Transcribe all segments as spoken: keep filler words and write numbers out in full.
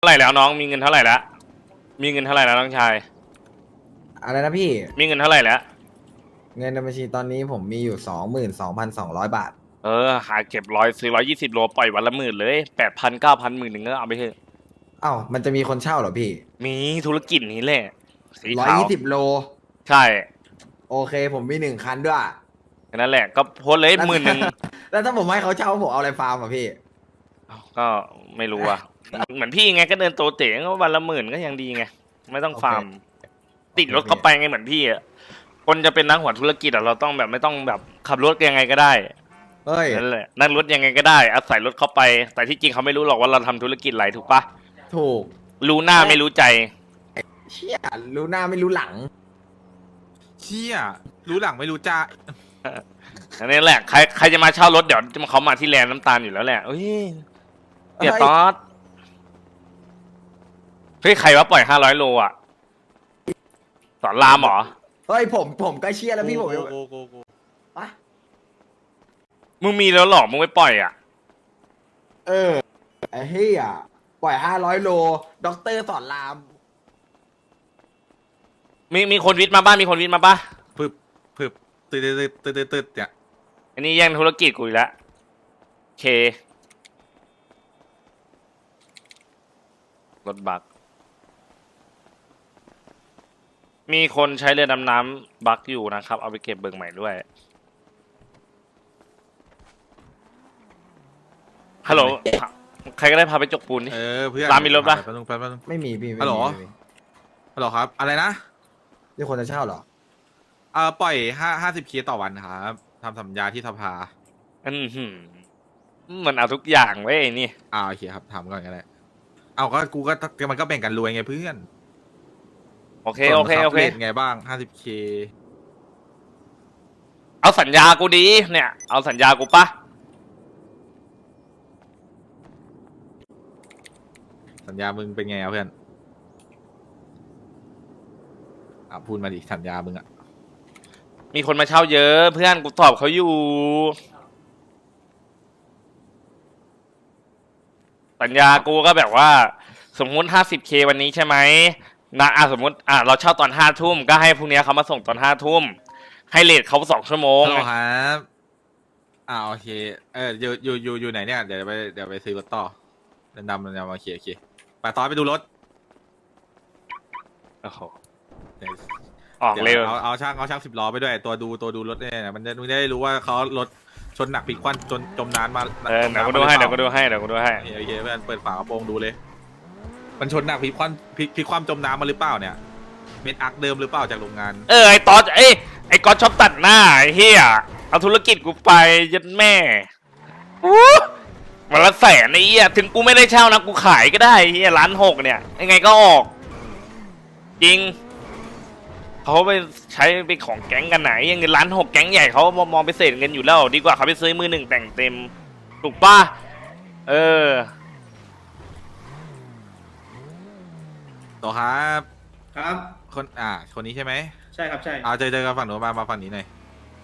ท่าไหร่แล้วน้องมีเงินเท่าไหร่แล้วมีเงินเท่าไหร่แล้วน้องชายอะไรนะพี่มีเงินเท่าไหร่แล้วเงินในบัญชีตอนนี้ผมมีอยู่สองหมื่นสองพันสองร้อยบาทเออหาเก็บร้อยซื้อร้อยยี่สิบโลปล่อยวันละหมื่นเลยแปดพันเก้าพันหมื่นหนึ่งก็เอาไปเถอะเอ้ามันจะมีคนเช่าเหรอพี่มีธุรกิจนี้แหละสีร้อยขาวยี่สิบโลใช่โอเคผมมีหนึ่งคันด้วยนั่นแหละก็โพสเลยหมื่นหนึ่งแล้วถ้าผมให้เขาเช่าผมเอาอะไรฟาร์มอ่ะพี่ก็ไม่รู้อ่ะเหมือนพี่ไงก็เดินโตเต๋ก็วันละหมื่นก็ยังดีไงไม่ต้องฟาร์มติดรถเข้าไปไงเหมือนพี่อ่ะคนจะเป็นนักหัวธุรกิจอ่ะเราต้องแบบไม่ต้องแบบขับรถยังไงก็ได้เฮ้ยนั่นแหละนั่งรถยังไงก็ได้อาศัยรถเข้าไปแต่ที่จริงเขาไม่รู้หรอกว่าเราทำธุรกิจอะไรถูกปะถูกรู้หน้าไม่รู้ใจเชี่ยรู้หน้าไม่รู้หลังเชี่ยรู้หลังไม่รู้จ้าอันนี้แหละใครใครจะมาเช่ารถเดี๋ยวเขามาที่แลนด์น้ำตาลอยู่แล้วแหละเฮ้ยเดี๋ยวตอดเฮ้ยใครว่าปล่อยห้าร้อยโลอ่ะสอนรามเหรอเฮ้ยผมผมก็เชี่ยแล้วพี่ผมโกโกโกอะมึงมีแล้วหรอมึงไม่ปล่อยอ่ะเออไอ้เฮียปล่อยห้าร้อยโลด็อกเตอร์สอนรามมีมีคนวิทย์มาบ้างมีคนวิทย์มาป่ะพึบพึบตืดตืดตืดตืดตืดเนี่ยอันนี้แย่งธุรกิจกูอีกแล้วเครถบักมีคนใช้เรือดำน้ำบักอยู่นะครับเอาไปเก็บเบิกใหม่ด้วยฮัลโหลใครก็ได้พาไปจกปูนดิเออเพื่อนรามมีรถปะไม่มีพี่ฮัลโหลฮัลโหลครับอะไรนะนี่คนจะเช่าเหรอเออปล่อยห้าห้าสิบเคต่อวันครับทำสัญญาที่สภาอืมหืมมันเอาทุกอย่างไว้นี่อ่าโอเคครับทำก่อนก็ได้เอาก็กูก็มันก็แบ่งกันรวยไงเพื่อนโอเคโอเคโอเคไงบ้างห้าสิบเคเอาสัญญากูดีเนี่ยเอาสัญญากูปะสัญญามึงเป็นไงเพื่อนอ่ะพูดมาดิสัญญามึงอ่ะมีคนมาเช่าเยอะเพื่อนกูตอบเขาอยู่สัญญากูก็แบบว่าสมมุติ ห้าสิบเค วันนี้ใช่ไหมนะอ่ะสมมุติอ่ะเราเช่าตอนห้าทุ่มก็ให้พรุ่งนี้เขามาส่งตอนห้าทุ่มให้เลทเขาสองชั่วโมงครับอ่าโอเคเอออยู่อยู่อยู่อยู่ไหนเนี่ยเดี๋ยวไปเดี๋ยวไปซื้อรถต่อเดินดำเดินดำมาเคลียร์เคลียร์ไปต่อไปดูรถโอ้โหออกเร็วเอาเอาช่างเอาช่างสิบล้อไปด้วยตัวดูตัวดูรถเนี่ยมันจะมึงได้รู้ว่าเขารถชนหนักปีกควันจนจมน้ำมาเออเดี๋ยวกูดูให้เดี๋ยวกูดูให้เดี๋ยวกูดูให้โอเคเพื่อนเปิดฝากระโปรงดูเลยมันชนหนักปีกควันปีกควันจมน้ำมาหรือเปล่าเนี่ยเม็ดอักเดิมหรือเปล่าจากโรงงานเออไอ้ตอสไอ้ไอ้ก๊อตชอบตัดหน้าไอ้เฮียเอาธุรกิจกูไปยัดแม่วันละแสนไอ้เฮียถึงกูไม่ได้เช่านะกูขายก็ได้เฮียล้านหกเนี่ยยังไงก็ออกจริงเขาไปใช้ไปของแก๊งกันไหนยังเงินล้านหกแก๊งใหญ่เขามองไปเศษเงินอยู่แล้วดีกว่าเขาไปซื้อมือหนึ่งแต่งเต็มถูกป่ะเออต่อครับครับคนอ่าคนนี้ใช่ไหมใช่ครับใช่เอาเจอเจอกันฝั่งหนูมามาฝั่งนี้หน่อย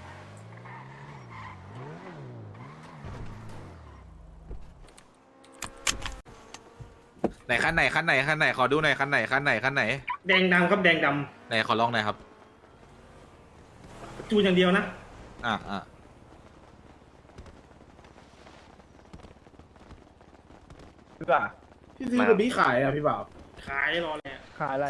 ไหนคันไหนคันไหนคันไหนขอดูหน่อยคันไหนคันไหนคันไหนแดงดำครับแดงดำไหนขอลองหน่อยครับจูนอย่างเดียวนะอ่าอ่าพี่บ่าพี่ซื้อกับพี่ขายอ่ะพี่บ่าวขายรอแล้วขายอะไร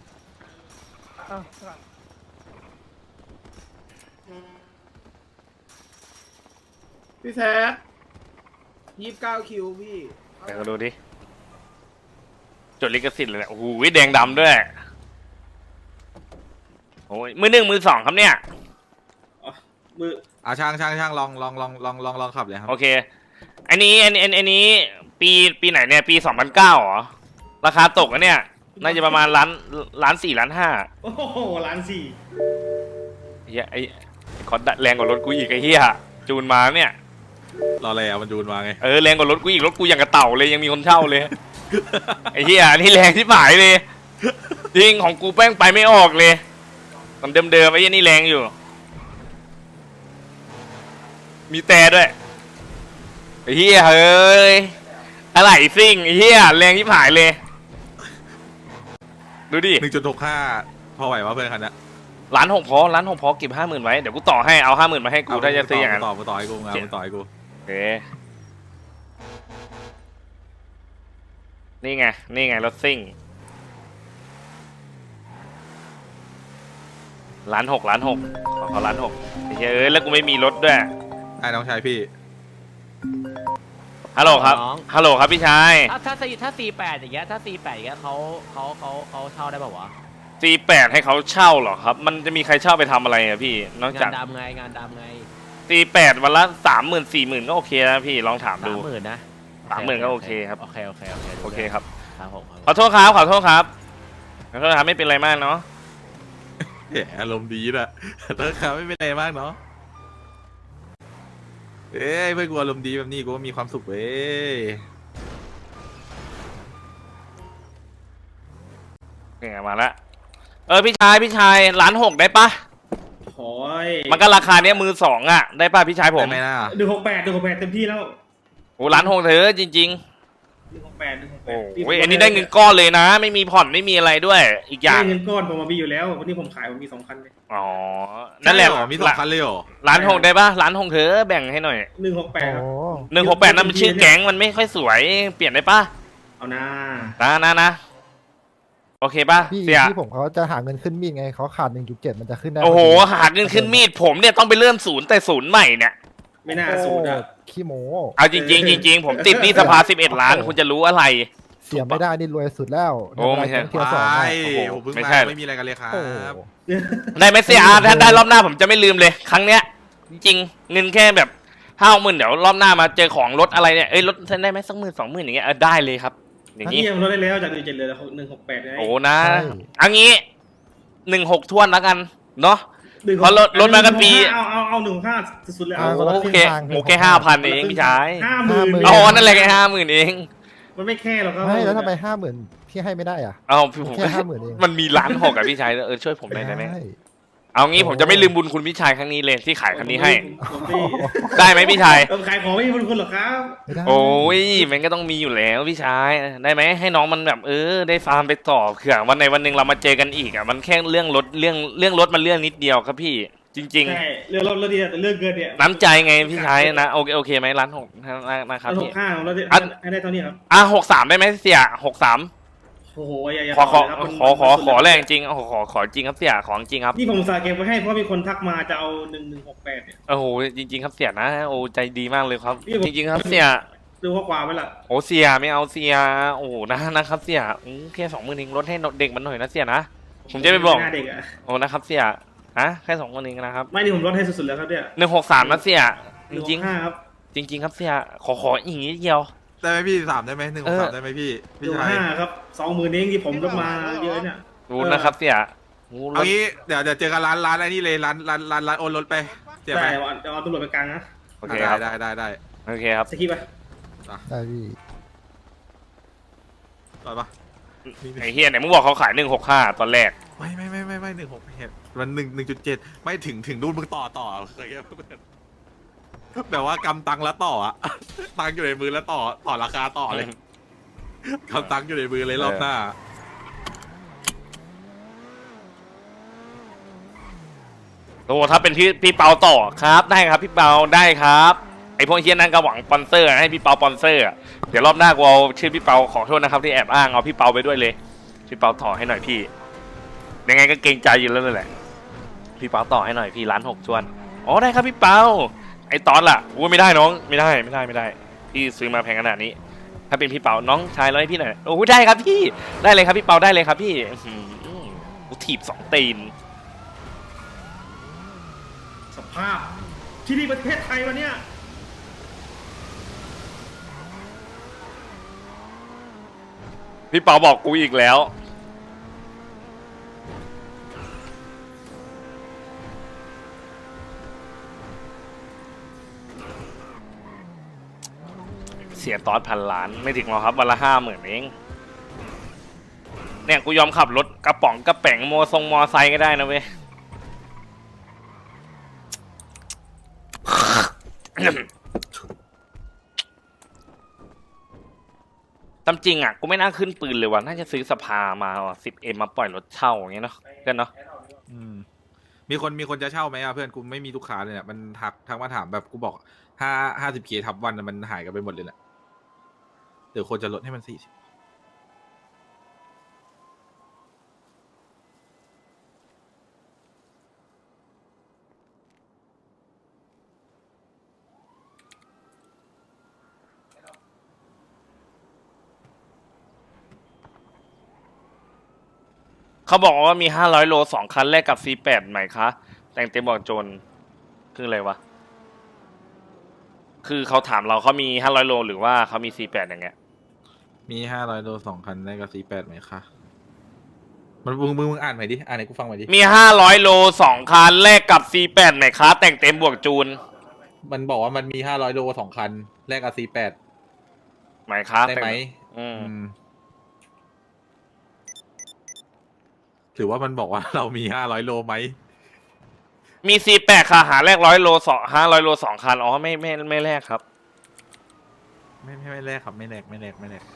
พี่แท็กยี่สิบเก้าคิวพี่เดี๋ยวดูดิจดลิขสิทธิ์เลยเนี่ยโอ้โหแดงดำด้วยโอ้ยมือหนึ่งมือสองครับเนี่ยมืออ่าช่างช่างช่างลองลองลองลองลองลองขับเลยครับโอเคอันนี้อันนี้อันนี้ปีปีไหนเนี่ยปีสองพันเก้าเหรอราคาตกอะเนี่ยน่าจะประมาณล้านล้านสี่ล้านห้าโอ้โหล้านสี่เฮียไอ้คอร์ดแรงกว่ารถกูอีกไอ้เฮียจูนมาเนี่ยรออะไรอ่ะมันจูนมาไงเออแรงกว่ารถกูอีกรถกูอย่างกระเต่าเลยยังมีคนเช่าเลยไอ้เฮียนี่แรงที่หมายเลยจริงของกูแป้งไปไม่ออกเลยตอนเดิมๆไอ้ยี่นี่แรงอยู่มีแต่ด้วยไอ้เฮียเฮ้ยอะไรซิ่งไอ้เฮียแรงที่หายเลยดูดิหนึ่งจุดหกห้าพอไหววะเพื่อนคันนี้ล้านหกพอล้านหกพอเก็บห้าหมื่นไว้เดี๋ยวกูต่อให้เอาห้าหมื่นมาให้กูถ้าจะซื้ออย่างนั้นต่อต่อให้กูงานต่อให้กูโอเคนี่ไงนี่ไงรถซิ่งล้านหกล้านหกขอขอล้านหกไอ้เหี้ยเอ้ยแล้วกูไม่มีรถด้วยไอ้น้องชายพี่ฮัลโหลครับน้องฮัลโหลครับพี่ชายถ้าถ้าซีถ้าซีแปดอย่างเงี้ยถ้าซีแปดอย่างเงี้ยเขาเขาเขาเขาเช่าได้ป่าวะซีแปดให้เขาเช่าเหรอครับ มันจะมีใครเช่าไปทำอะไรอะพี่นอกงาจากนดำไงงานดำไงซีแปดวันละสามหมื่นสี่หมื่นก็โอเคนะพี่ลองถามสาดูมหมื่นนะสามหมื่นก็โอเคครับโอเคโอเคโอเคโอเคครับครับผมขอโทษครับขอโทษครับขอโทษครับไม่เป็นไรมากเนาะแหมอารมณ์ดีนะเลิกครับไม่เป็นไรมากเนาะเอ้ยเพื่อนกูอารมณ์ดีแบบนี้กูก็มีความสุขเว้ยเนี่ยมาละเออพี่ชายพี่ชายล้านหกได้ปะโอ้ยมันก็ราคาเนี้ยมือสองอ่ะได้ปะพี่ชายผมได้ไหมน่ะหนึ่งหกแปดหนึ่งหกแปดเต็มที่แล้วโอ้ล้านหกเถอะจริงหนึ่งหกแปดหนึ่งหกๆแปโอ้ดยอันนี้ได้เงินก้อนเลยนะ ไม่มีผ่อนไม่มีอะไรด้วย อีกอย่างเงินก้อนผมมามีอยู่แล้ว วันนี้ผมขายผมมีสองพันเลยอ๋อนั่นแหละใช่เรอมีสองคันเลยเหรอล้านหกได้ปะล้านหกเถอะแบ่งให้หน่อยหนึ่งหกแปดครับหนึ่งหกแปดนั่นมันชื่อแก๊งมันไม่ค่อยสวยเปลี่ยนได้ปะเอานะนะนะนะโอเคปะพี่เสียพี่ผมเขาจะหาเงินขึ้นมีดไงเขาขาด หนึ่งจุดเจ็ด มันจะขึ้นได้โอ้โหพดีหาเงินขึ้นมีดผมเนี่ยต้องไปเริ่มศูนย์แต่ศูนย์ใหม่เนี่ยไม่น่าสูดอ่ะโอ้ขี้โมเอาจริงๆจริงๆผมติดหนี่สภาสิบเอ็ดล้านคุณจะรู้อะไรเสียไม่ได้นี่รวยสุดแล้วโอ้ไม่ใช่เทียร์สองไปอะผมเพิ่งไม่มาใช่ไม่มีอะไรกันเลยครัโอ้บได้ไหมเสียถ้าได้รอบหน้าผมจะไม่ลืมเลย ครั้งเนี้ย จริงๆเงินแค่แบบห้าหมื่นเดี๋ยวรอบหน้ามาเจอของรถอะไรเนี่ยเอ้ยรถได้ไหมสักหมื่นสองหมื่นอย่างเงี้ยเออได้เลยครับ อย่างนี่นี้ยังลดได้แล้วจากหนึ่งเจ็ดเหลือหนึ่งหกแปดไงโอ้นะอันนี้หนึ่งหกทวนแล้วกันเนาะหนึ่งหกเพราะลดลดมากันปีเอาเอาเอาหนึ่งห้าสุดๆเลยเอาโอเคโอเคห้าพันเองพี่ชายห้าหมื่นอ๋อนั่นแหละแค่ห้าหมื่นเองมันไม่แค่หรอกครับไม่แล้วทำไมห้าหมื่นพี่ให้ไม่ได้อ่ะเอาพี่ผมแค่ห้าหมื่นเองมันมีล้านหกอะพี่ชายเออช่วยผมหน่อยได้ไหมด้เอางี้ผมจะไม่ลืมบุญคุณพี่ชายครั้งนี้เลยที่ขายคันนี้ให้ผมไม่ได้ไหมพี่ชายเออขายของไม่มีบุญคุณหรอกครับไม่ได้โอ้ยมันก็ต้องมีอยู่แล้วพี่ชายได้ไหมให้น้องมันแบบเออได้ฟาร์มไปต่อเผื่อวันในวันหนึ่งเรามาเจอกันอีกอ่ะมันแค่เรื่องรถเรื่องเรื่องรถมันเรื่องนิดเดียวครับพี่ จริงใช่เรื่องรถรถดีแต่เรื่องเกินเนี่ยๆ น้ำใจไงพี่ชายนะโอเคโอเคไหมร้านหกนะครับหพี่กห้าของเราได้ให้ได้เท่านี้ครับอ่ะหกสามได้ไหมเสียหกสามโอ้โหอย่าอย่าขอขอเลยครับมันขอขอมันขอแรงจริงขอขอขอจริงครับเสียของจริงครับนี่ผมสาเก็บไว้ให้เพราะมีคนทักมาจะเอาหนึ่งหนึ่งหกแปดเนี่ยโอ้โหจริง ๆ ครับเสียนะโอ้ใจดีมากเลยครับนี่ผมจริงๆครับเสียดูข้อความไว้ละโอ้เสียไม่เอาเสียโอ้นะนะครับเสียอืมแค่สองหมื่นเองลดให้เด็กมันหน่อยนะเสียนะผมจะไปบอกหน้าเด็กอะโอ้นะครับเสียฮะแค่สองหมื่นเองนะครับไม่นี่ผมลดให้สุดๆแล้วครับเนี่ยหนึ่งหกสามนะเสียจริงห้าครับๆจริง ๆ ครับเสียขอขออีกนิดเดียวได้ไหมพี่สามได้ไหมหนึ่งเออสามได้ไหมพี่หพี่นึ่งชายห้าครับสองหมื่นเองที่ผมยกมาเยอะเนี่ยรู้นะครับเสียโอ้รเอาถงี้เดี๋ยวเดี๋ยวเจอกันร้านร้านไอ้นี่เลยร้านร้านร้านร้านโอนรถไปเสียใช่ไปเอาเอาตำรวจไปกลางนะโอเคครับได้ได้ได้โอเคครับสกิปไปได้พี่ต่อปะไอ้เฮียไหนมึงบอกเขาขายหนึ่งหกห้าตอนแรกไม่ไม่ไม่ไม่ไม่หนึ่งหกเหตุมันหนึ่งหนึ่งจุดเจ็ดไม่ถึงถึงนู่นมึงต่อต่อเคยแบบว่ากำตังแล้วต่ออะตังอยู่ในมือแล้วต่อต่อราคาต่อเลยกำตังอยู่ในมือเลยรอบหน้าโอ้ถ้าเป็นพี่พี่เปาต่อครับได้ครับพี่เปาได้ครับไอพวกเฮียนั่นก็หวังสปอนเซอร์ให้พี่เปาสปอนเซอร์อะเดี๋ยวรอบหน้ากูเอาชื่อพี่เปาขอโทษนะครับที่แอบอ้างเอาพี่เปาไปด้วยเลยพี่เปาต่อให้หน่อยพี่ยังไงก็เกรงใจอยู่แล้วนั่นแหละพี่เปาต่อให้หน่อยพี่ร้านหกชวนอ๋อได้ครับพี่เปาไอตอนล่ะโอ้ไม่ได้น้องไม่ได้ไม่ได้ไม่ได้พี่ซื้อมาแพงขนาดนี้ ถ้าเป็นพี่เปาน้องชายร้อยพี่หน่อยโอ้ได้ครับพี่ได้เลยครับพี่เปาได้เลยครับพี่อื้อหือกูถีบสองตีนสภาพที่นี่ประเทศไทยวันเนี้ยพี่เปาบอกกูอีกแล้วเสียตอสพันล้านไม่ถึงหรอกครับวันละห้าหมื่นเองเนี่ยกูยอมขับรถกระป๋องกระแป๋งโมทรงมอไซค์ก็ได้นะเว้ยตามจริงอ่ะกูไม่น่าขึ้นปืนเลยว่ะน่าจะซื้อสภามาว่ะสิบเอ็มมาปล่อยรถเช่าอย่างเงี้ยเนาะเพื่อนเนาะอืมมีคนมีคนจะเช่าไหมอ่ะเพื่อนกูไม่มีลูกค้าเลยเนี่ยมันทักทักมาถามแบบกูบอกห้าห้าสิบเคทับวันน่ะมันหายกันไปหมดเลยแหละเดี๋ยวคนจะลดให้มันสี่สิบเขาบอกว่ามีห้าร้อยโลสองคันแลกกับ ซี แปด ไหมคะ แต่งเต็มบอกโจรคืออะไรวะ คือเขาถามเราเขามีห้าร้อยโลหรือว่าเขามี ซี แปด อย่างเงี้ยมีห้าร้อยโลสองคันได้กับสี่แปดไหมคะมันมึงมึงมึงอ่านใหม่ดิอ่านให้กูฟังใหม่ดิมีห้าร้อยโลสองคันแลกกับ ซี แปด ไหมคะ แต่งเต็มบวกจูนมันบอกว่ามันมีห้าร้อยโลสองคันแลกกับสี่แปดไหมคะได้ไหมอืมอืมหรือว่ามันบอกว่าเรามีห้าร้อยโลไหมมี ซี แปด ค่ะหาแลกร้อยโลสองห้าร้อยโลสองคันอ๋อไม่ไม่ไม่แลกครับไม่ไม่ไม่แลกครับไม่แลกไม่แลกไม่แลก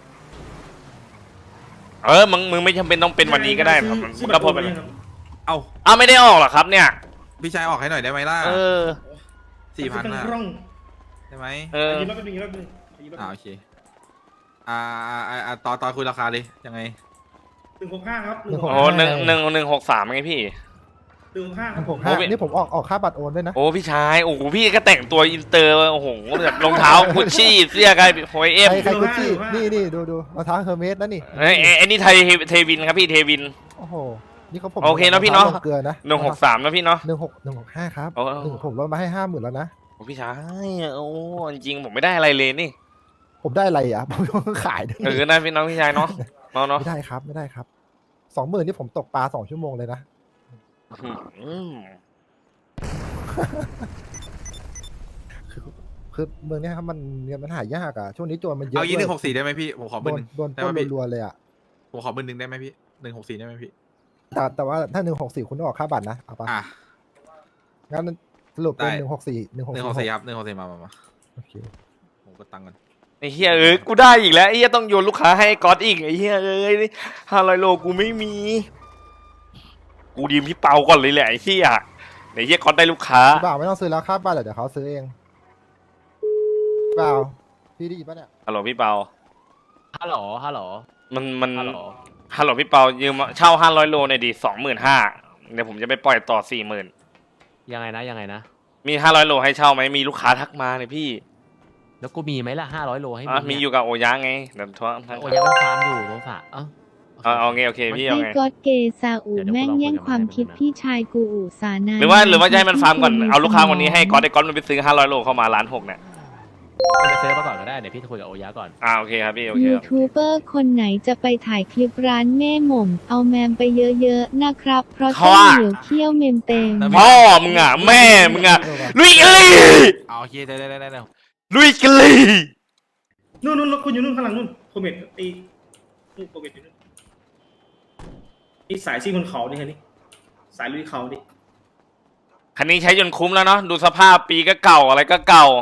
เออมึงมึงไม่จำเป็นต้องเป็นวันนี้ก็ได้ครับซื้อมึงบัก็ตรพูดโอนไปไปเลยยังครับเอ้าอ้าวไม่ได้ออกเหรอครับเนี่ยพี่ชายออกให้หน่อยได้ไหมล่ะเออสี่พันเป็นอ่ะร่องได้ไหมเออยืนรอบเป็นยืนรอบเป็นยืนรอบอ่าโอเคอ่าอ่าอ่าอ่าต่อต่อคุยราคาเลยยังไงหนึ่งหกห้าครับหหนึ่นึ่งงหหกกโอ้หนึ่งหนึ่งหนึ่งหกสามไงพี่หนึ่งหกห้าครับผมห้านี่ผมออกออกค่าบัตรโอนด้วยนะโอ้พี่ชายโอ้โหพี่ก็แต่งตัวอินเตอร์โอ้โหแบบรองเท้ากุชชี่เสื้อกันโฮเอฟใครใครกุชชี่นี่นี่ดูดูรองเท้าเฮอร์เมสนะนี่ไอ้ไอ้ไอ้นี่ไทยเทวินครับพี่เทวินโอ้โหนี่เขาผมโอเคเนอะพี่เนอะรองท้ลงเกลือนะหนึ่งหกสามนะพี่เนาะหนึ่งหกหนึ่งหกห้าครับโอ้หนึ่งผมลดมาให้ห้าหมื่นแล้วนะโอ้พี่ชายโอ้จริงๆผมไม่ได้อะไรเลยนี่ผมได้อะไรอ่ะ ผมต้องขายด้วยเออนะพี่น้องพี่ชายเนาะเนาะเนาะไม่ได้ครับไม่ได้ครับสองหมื่นนี่ผมตกปลาสองชั่วโมงเลยนะอืมคือเมืองเนี้ยครับมันเงินมันหายากอ่ะช่วงนี้โจรมันเยอะเอายี่หนึ่งหด้วกสี่ได้ไหมพี่ผมขอหโดมื่นนหนึ่งโดนได้ปล้ไหมนพี่รัวๆเลยอ่ะผมขอหมื่นหนึ่งได้ไหมพี่หนึ่งหกสี่ได้ไหมพี่แต่แต่ว่าถ้าหนึ่งหกสี่คุณต้องออกค่าบัตรนะเอาปะอ่ะงั้นสรุปเป็นได้หนึ่งหกสี่หนึ่งหกหนึ่งหกสี่ครับหนึ่งหกสี่มามามาโอเคผมก็ตังค์กันไอ้เฮียเอ้ยกูได้อีกแล้วไอ้เฮียต้องโยนลูกค้าให้ก๊อตอีกไอ้เฮียเอ้ยห้าร้อยโลกูไม่มี กูดีมพี่เปาก่อนเลยแหละไอ้เฮียไอ้เฮียก๊อตได้ลูกค้าพี่บ่าวไม่ต้องซื้อแล้วค่าบัตรเดี๋ยวเขาซื้อเองพี่บ่าวพี่ได้ยินปะเนี่ยฮัลโหลพี่เปาฮัลโหลฮัลโหลมันมันฮัลโหลฮัลโหลพี่เปายืมเช่าห้าร้อยโลหน่อยดิสองหมื่นห้าเดี๋ยวผมจะไปปล่อยต่อสี่หมื่นยังไงนะยังไงนะมีห้าร้อยโลให้เช่าไหมมีลูกค้าทักมาเลยพี่แล้วกูมีไหมล่ะห้าร้อยโลให้อ่ะมึงมีเนี่อยู่กับโอยะไงเดี๋ยวทักทักโอ้ยยังมันฟาร์มอยู่โนฝะเอ้าเอาเอาไงโอเคพี่เอาไอ้ไงก๊อตเกซาอูแม่งแย่งความคิดพี่ชายกูอูสานาหรือว่าหรือว่าจะให้มันฟาร์มก่อนเอาลูกค้าคนนี้ให้ก๊อตไอ้ก๊อตมันไปซื้อห้าร้อยโลเข้ามาล้านหกเนี่ยไปเซิร์ฟมาก่อนก็ได้เดี๋ยวพี่จะคุยกับโอยะก่อนอ่าโอเคครับพี่โอเคยูครับทูบเบอร์คนไหนจะไปถ่ายคลิปร้านแม่หม่ม เอาแมมไปเยอะๆนะครับ เพราะต้องเหนียวเคี้ยวเมมเต็มพ่อมึงอ่ะแม่มึงอ่ะลุยกันเลยเอาโอเคได้ได้ได้ได้ได้ลุยกันเลยนู่นนู่นรถคุณอยู่นู่นข้างหลังนู่นโคเมตไอ้นู่นโคเมตอยู่นู่นนี่สายซิ่งบนเขาดิฮะนี่สายลุยเขาดิคันนี้ใช้จนคุ้มแล้วเนาะดูสภาพปีก็เก่าอะไรก็เก่า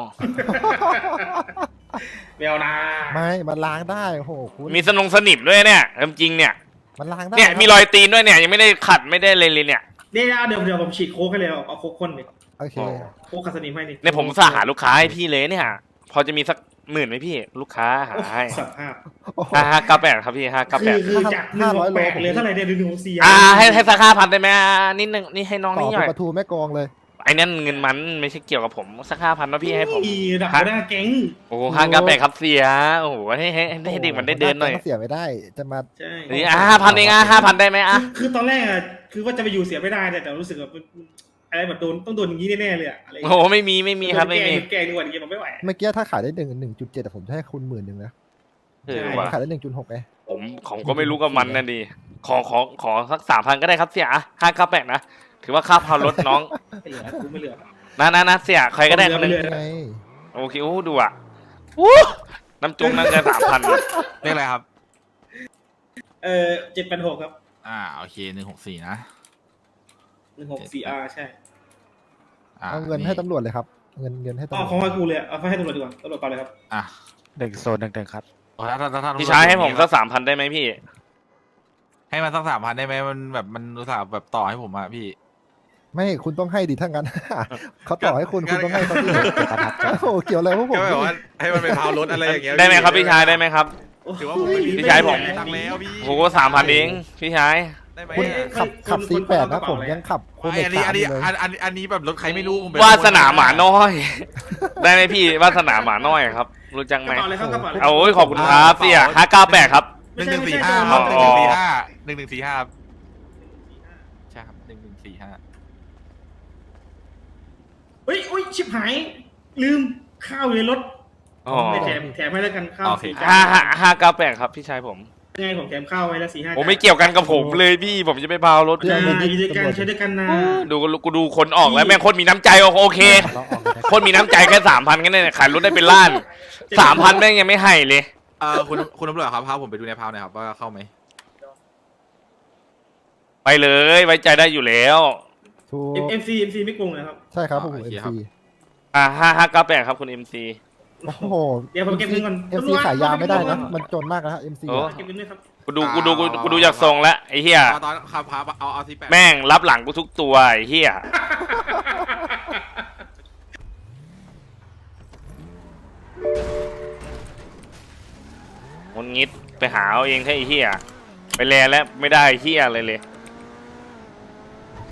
แมวนาไม่มันล้างได้โอ้โหคุณมีสนงสนิมด้วยเนี่ยเริ่มจริงเนี่ยมันล้างได้เนี่ยมีรอยตีนด้วยเนี่ยยังไม่ได้ขัดไม่ได้เลยเลยเนี่ยเดี๋ยวเดี๋ยวเดี๋ยวผมฉีดโค้กให้เลยเอาเอาโค้กข้นดิโอเคโค้กขัดสนิมให้ดิเนี่ยผมสาหาลูกค้าให้พี่เลยเนี่ย พอจะมีสักหมื่นไหมพี่ ลูกค้าหาให้สับภาพโอ้โหห้าห้าเก้าแปดครับพี่ห้าเก้าคืแปอดคือจากหนึ่งหกแปดเลยเท่าไหร่เนี่ยหนึ่งหกสี่อ่าให้ให้สักห้าพันได้ไหมอ่ะนิดนึงนี่ให้น้องต่อนี่หเป็น่อยนประตูแม่กองเลยไอ้นั่นเงินมันไม่ใช่เกี่ยวกับผมสักห้าพันนะพี่ให้ผมอีดับไม่ได้แก๊งโอ้ห้าเก้าแปดครับเสียโอ้โหให้ให้ให้ให้เด็กมันได้เดินหน่อยเสียไม่ได้จะมาใช่นี่อ่ะห้าพันเองอ่ะห้าพันได้ไหมอ่ะคือตอนแรกอะคือว่าจะไปอยู่เสียไม่ได้แต่แต่รู้สึกแบบอะไรแบบโดนต้องโดนอย่างนี้แน่ๆเลยอะอะไรโอ้โหไม่มีไม่มีครับไม่มีแกงดีกว่าอย่างเงี้ยผมไม่ไหวเมื่อกี้ถ้าขายได้หนึ่งหนึ่งจุดเจ็ดผมจะให้คุณหมื่นหนึ่งนะเออว่ะขายได้หนึ่งจุดหกไงผมของก็ไม่รู้กับมันนะดิขอขอขอสักสามพันก็ได้ครับเสียห้าเก้าแปดนะถือว่าค่าพารถน้องไม่เหลือกูไม่เหลือนะนะนะเสียใครก็ได้คนหนึงไม่เหลือไงโอเคโอ้ดูอ่ะอู้น้ำจุ้งนั่นจะสามพันเรียกอะไรครับเออเจ็ดแปดหกครับอ่าโอเคหนึ่งหกสี่นะหนึ่งหกสี่อาร์ใช่อ่าเอาเงินให้ตำรวจเลยครับ เงินเงินให้ตำรเอาวจของให้กูเลยเอาให้ตำรวจดีกว่าตำรวจต่อเลยครับอ่ะหนึ่งโซนหนึ่งหนึ่งครับโอถ้าถ้าถ้าท่านพี่ชายให้ผมสักสามพันได้ไหมพี่ให้มันสักสามพันได้ไหมมันแบบมันอุตส่าห์แบบต่อให้ผมอะพี่ไม่คุณต้องให้ดิถ้างั้น เขาต่อให้คุณงั้คุณนต้องให้เขาดิโอ้โหเกี่ยวอะไรพวกผมก็แบบว่าให้มันไปพาวรถอะไรอย่างเงี้ยได้ไหมครับพี่ชายได้ไหมครับถือว่าผมไม่มีพี่ชายผมตังค์แล้วพี่โอ้โหสามพันเองพี่ชายได้ไหมคุณอะขับขับคุณซีแปดคุณนะเอากระผเป๋าม อะไรยังขับโคเมอันนี้สาอัมนนี้เลยอันอันอันนี้แบบรถใครไม่รู้ผมไปวาสนาหมาน้อย ได้ไหมพี่วาสนาหมาน้อยครับ รู้จักกไหมระเป๋าอะไรครับกระเป๋าอะไรเอาโอ้ยขอบคุณครับเสี่ยห้าเก้าแปดครับหนึ่งหนึ่งสี่ห้าอ๋อหนึ่งหนึ่งสี่ห้าหนึ่งหนึ่งสี่ห้าใช่ครับหนึ่งหนึ่งสี่ห้าเฮ้ยอุ้ยชิบหาย ลืมข้าวอยู่ในรถอ๋อไม่แถมแถมให้แล้วกันข้าวสี่จาห้าน ห้าห้าเก้าแปดครับพี่ชายผมยังไงผมแถมข้าวไว้แล้วสี่ห้าผมไม่เกี่ยวกันกับผมเลยพี่ผมจะไปพาวรถอ่าอยู่ด้วยกันใช้ด้วยกันนะดูกูดูคนออกแล้วแม่งคนมีน้ำใจโอเค คนมีน้ำใจแค่สามพันกันเนี่ยขายรถได้เป็นล้านสามพันแม่งยังไม่ให้เลยเออคุณคุณตำรวจครับพาผมไปดูในพาวหน่อยครับว่าเข้าไหมไปเลยไว้ใจได้อยู่แล้วถูกเอ็มซีเอ็มซีไม่โกงเลยครับใช่ครับผมเอ็มซีอ่าห้าห้าเก้าแปดครับคุณเอ็มซีโอ้โหเดี๋ยวผมเก็บเงินก่อนเอ็มซีขายยาไม่ได้นะมันจนมากนะเอ็มซีโอ้เก็บเงินด้วยครับกูดูกูดูกูกูดูจากทรงแล้วไอ้เหี้ยตอนขับพาเอาเอาที่แปดแม่งรับหลังกูทุกตัวไอ้เหี้ยงนงิดไปหาเอาเองแค่ไอ้เหี้ยไปแลแล้วไม่ได้เหี้ยอะไรเลย